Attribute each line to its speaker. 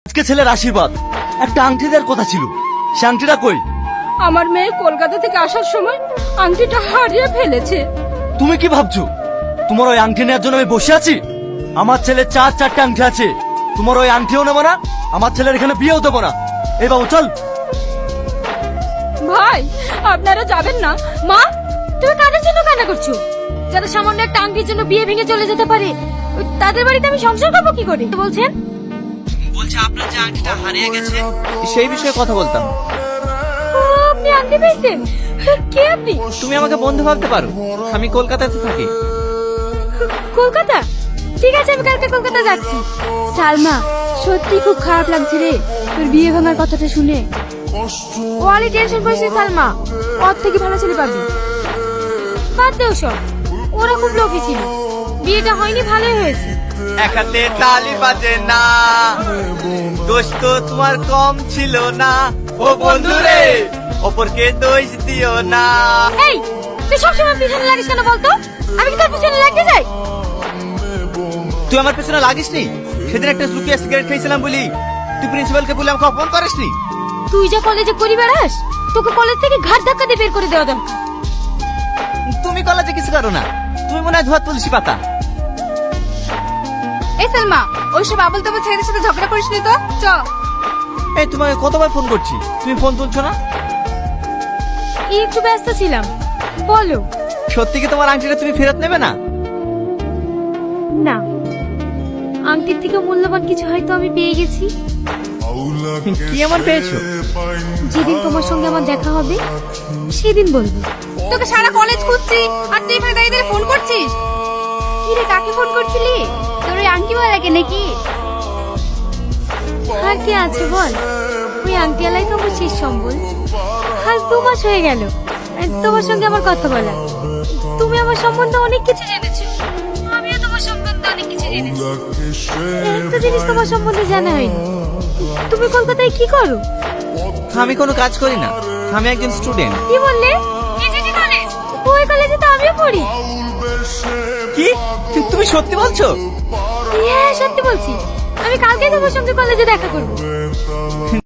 Speaker 1: আজকে ছেলের আশীর্বাদ, একটা আংটি দেওয়ার কথা ছিল, সে আংটিটা কই?
Speaker 2: আমার মেয়ে কলকাতা থেকে আসার সময় আংটিটা হারিয়ে ফেলেছে।
Speaker 1: তুমি কি ভাবছো তোমার ওই আংটি নেওয়ার জন্য আমি বসে আছি? আমার ছেলের চারটে আংটি আছে, তোমার ওই আংটিও নেবো না, আমার ছেলের এখানে বিয়েও দেবো না। এই বাবু চল।
Speaker 2: ভাই আপনারা যাবেন না? মা তুমি কাদের জন্য কান্না করছো? যারা সামান্য একটা আংটির জন্য বিয়ে ভেঙে চলে যেতে পারে, তাদের বাড়িতে আমি সংসার করবো কি করে? বলছেন
Speaker 3: বলছে আপনার যে আংটিটা হারিয়ে গেছে সেই বিষয়ে কথা বলতাম।
Speaker 2: আপনি আংটি পেয়েছেন? কে আপনি?
Speaker 3: তুমি আমাকে বন্ধু ভাবতে পারো, আমি কলকাতাতে থাকি।
Speaker 2: কলকাতা? ঠিক আছে, আমি কালকে কলকাতা যাচ্ছি। সালমা সত্যি খুব খারাপ লাগছে রে তোর বিয়ে ভাঙার কথাটা শুনে। ওয়ালি টেনশন করিস না সালমা, ওর থেকে ভালো ছেলে পাবি। বাদ দে ওসব, ওরা খুব লোভী ছিল, বিয়েটা হয়নি ভালোই হয়েছে।
Speaker 3: এক হাতে তালি বাজে না, দোষ তো তোমার কম ছিল না। ও বন্ধু রে, অপরকে দোষ দিও না।
Speaker 2: এই তুই সবসময় পিছনে লাগিস কেন বলতো? আমি কি তোর পিছনে লাগতে যাই?
Speaker 3: তুই আমার পেছনে লাগিস নি? সেদিন একটা লুকিয়ে সিগারেট খেয়েছিলাম বলি তুই প্রিন্সিপালকে বলে আমাকে অপমান করিস নি?
Speaker 2: তুই যা কলেজে করি বেড়াস, তোকে কলেজ থেকে ঘাট ধাক্কা দিয়ে বের করে দেওয়া দরকার।
Speaker 3: তুমি কলেজে কিছু করো না, তুমি মনে হয় ধোয়া তুলসী পাতা।
Speaker 2: এই সালমা, ওইসব আবল তাবল ছেলেদের সাথে ঝগড়া করিস নি তো, চ।
Speaker 3: এই তোমাকে কতবার ফোন করছি, তুমি ফোন তুলছো না?
Speaker 2: একটু ব্যস্ত ছিলাম, বলো।
Speaker 3: সত্যি কি তোমার আংটিটা তুমি ফেরত নেবে না?
Speaker 2: না, আংটির থেকে মূল্যবান কিছু হয়তো আমি পেয়ে গেছি।
Speaker 3: কি এমন পেয়েছো?
Speaker 2: যেদিন তোমার সঙ্গে আমার দেখা হবে সেদিন বলবো। তোকে সারা কলেজ খুঁজছি আর তুই এখানে দাঁড়িয়ে ফোন করছিস। কি রে, কাকে ফোন করছিলি? তোর ওই আংটি ওয়ালাকে নাকি? আর কে আছে বল, ওই আংটি ওয়ালাই তো আমার শেষ সম্বল। আজ 2 মাস হয়ে গেল তোমার সঙ্গে আমার কথা বলা। তুমি আমার সম্বন্ধে অনেক কিছু জেনেছো, আমিও তোমার সম্বন্ধে অনেক কিছু জেনেছি। একটা জিনিস তোমার সম্বন্ধে জানা হয়নি, তুমি কলকাতায় কি করো?
Speaker 3: আমি কোনো কাজ করি না, আমি একজন স্টুডেন্ট।
Speaker 2: কি বললে? KGT college? ওই কলেজে তো আমিও পড়ি।
Speaker 3: কি তুমি সত্যি বলছো?
Speaker 2: হ্যাঁ সত্যি বলছি, আমি কালকে তোমার সঙ্গে কলেজে দেখা করব।